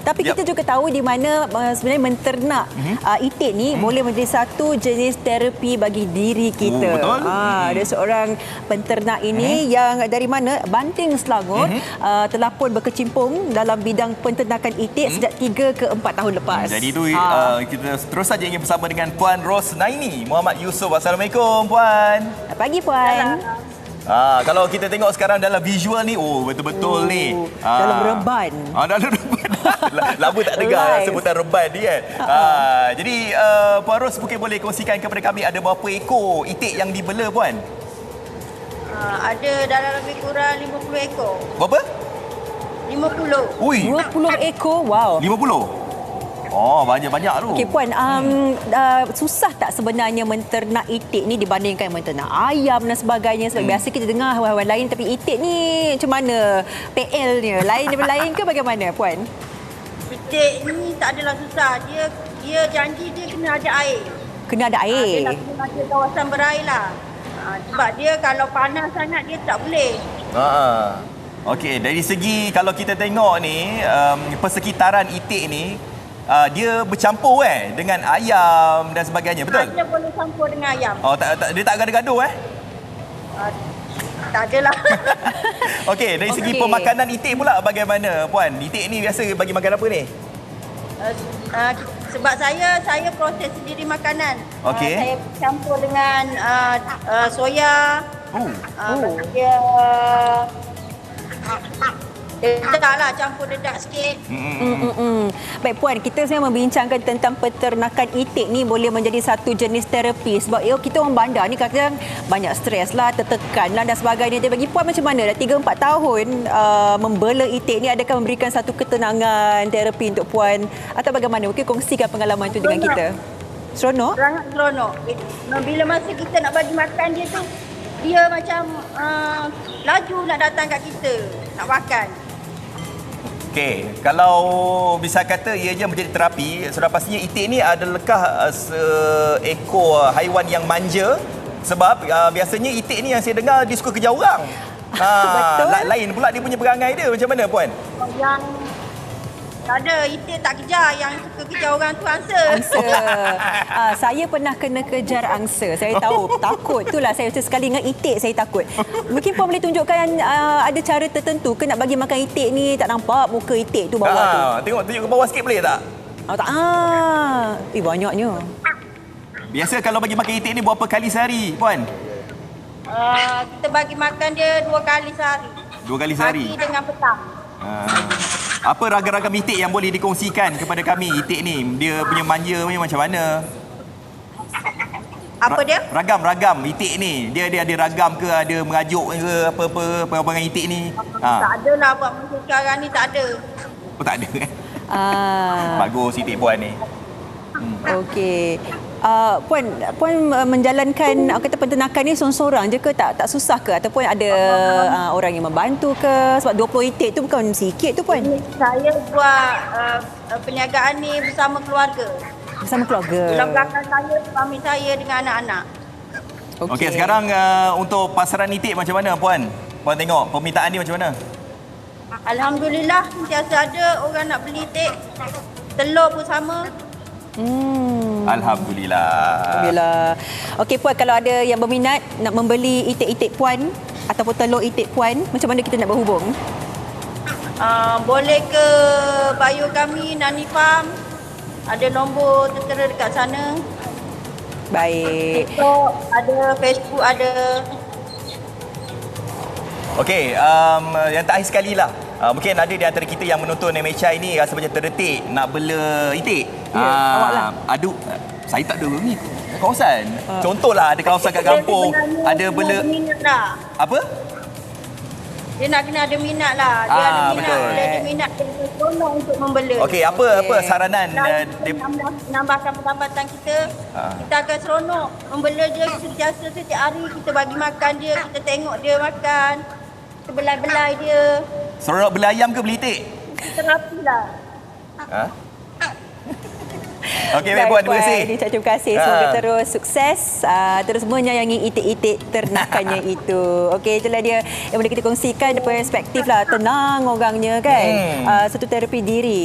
Tapi kita juga tahu di mana sebenarnya menternak itik ni boleh menjadi satu jenis terapi bagi diri kita. Betul. Ada seorang penternak ini yang dari mana? Banting Selangor telah pun berkecimpung dalam bidang penternakan itik sejak 3 ke 4 tahun lepas. Jadi itu kita terus saja ingin bersama dengan Puan Rosnaini Muhammad Yusof. Assalamualaikum Puan. Selamat pagi Puan. Kalau kita tengok sekarang dalam visual ni, betul-betul ni. Dalam reban. Dalam reban. Lama tak dengar sebutan reban ni kan. Jadi Puan Ros mungkin boleh kongsikan kepada kami ada berapa ekor itik yang dibela Puan? Ada dalam lebih kurang 50 ekor. Berapa? 50. Ui, 20 ekor, wow. 50? Oh, banyak-banyak tu. Okey Puan, susah tak sebenarnya menternak itik ni dibandingkan menternak ayam dan sebagainya? Sebab biasa kita dengar haiwan lain, tapi itik ni macam mana PL-nya? Lain daripada lain ke bagaimana Puan? Itik ni tak adalah susah. Dia janji dia kena ada air. Kena ada air? Dia nak kena ada kawasan berair lah. Sebab dia kalau panas sangat dia tak boleh. Okey, dari segi kalau kita tengok ni, persekitaran itik ni, dia bercampur dengan ayam dan sebagainya, betul? Dia boleh campur dengan ayam. Dia tak gaduh-gaduh Tak adalah. Okey, dari segi pemakanan itik pula bagaimana Puan? Itik ni biasa bagi makan apa ni? Sebab saya proses sendiri makanan. Okey. Saya campur dengan soya. Dedak lah, campur dedak sikit. Baik Puan, kita sebenarnya membincangkan tentang peternakan itik ni boleh menjadi satu jenis terapi. Sebab kita orang bandar ni kadang banyak stres lah, tertekan lah dan sebagainya. Jadi bagi Puan macam mana? Dah 3-4 tahun membela itik ni, adakah memberikan satu ketenangan terapi untuk Puan? Atau bagaimana? Mungkin kongsikan pengalaman itu dengan kita. Seronok? Sangat seronok. Bila masa kita nak bagi makan dia tu, dia macam laju nak datang kat kita, nak makan. Okey, kalau bisa kata ianya menjadi terapi, sudah pastinya itik ni adakah seekor haiwan yang manja? Sebab biasanya itik ni yang saya dengar dia suka kejar orang. Betul. Lain pula dia punya perangai dia. Macam mana Puan? Yang tak ada, itik tak kejar. Yang suka kejar orang tu angsa. Saya pernah kena kejar angsa. Saya tahu, takut. Itulah saya sekali ingat itik saya takut. Mungkin Puan boleh tunjukkan ada cara tertentu ke nak bagi makan itik ni tak nampak muka itik tu bawah tu. Tengok tunjuk ke bawah sikit boleh tak? Banyaknya. Biasa kalau bagi makan itik ni berapa kali sehari Puan? Kita bagi makan dia 2 kali sehari. 2 kali sehari? Pagi dengan petang. Apa ragam-ragam itik yang boleh dikongsikan kepada kami? Itik ni, dia punya manja macam mana? Apa dia? Ragam itik ni. Dia ada ragam ke, ada merajuk ke, apa dengan itik ni? Tak ada lah buat masa sekarang ni, tak ada. Tak ada Bagus itik Puan ni. Okey. Puan menjalankan kata penternakan ni seorang-seorang je ke, tak susah ke ataupun ada orang yang membantu ke? Sebab 20 itik tu bukan sikit tu Puan. Saya buat perniagaan ni bersama keluarga. Bersama keluarga. Dalam belakang saya, suami saya dengan anak-anak. Okey, sekarang untuk pasaran itik macam mana Puan? Puan tengok permintaan ni macam mana? Alhamdulillah, sentiasa ada orang nak beli itik. Telur pun sama. Alhamdulillah. Okey Puan, kalau ada yang berminat nak membeli itik-itik Puan ataupun telur itik Puan, macam mana kita nak berhubung? Boleh ke bio kami, Nani Farm. Ada nombor tertera dekat sana. Baik. TikTok ada, Facebook ada. Okey, yang terakhir sekali lah. Mungkin ada di antara kita yang menonton MHI ni rasa macam terdetik nak bela itik. Saya tak ada ni kawasan. Contohlah ada kawasan kat kampung, ada bela apa? Dia nak kena ada minat lah. Dia ada minat. Betul. Dia ada minat, dia tolong untuk membela. Okey, apa saranan? Nambahkan pendapatan kita. Kita akan seronok membela dia sentiasa setiap hari. Kita bagi makan dia, kita tengok dia makan. Kita belai-belai dia. Seronok bela ayam ke beli itik? Terapi lah. Okey, baik Puan, terima kasih. Terima kasih. Semoga terus sukses, terus menyayangi itik-itik ternakannya itu. Okey, itulah dia yang boleh kita kongsikan perspektif lah, tenang orangnya kan. Satu terapi diri.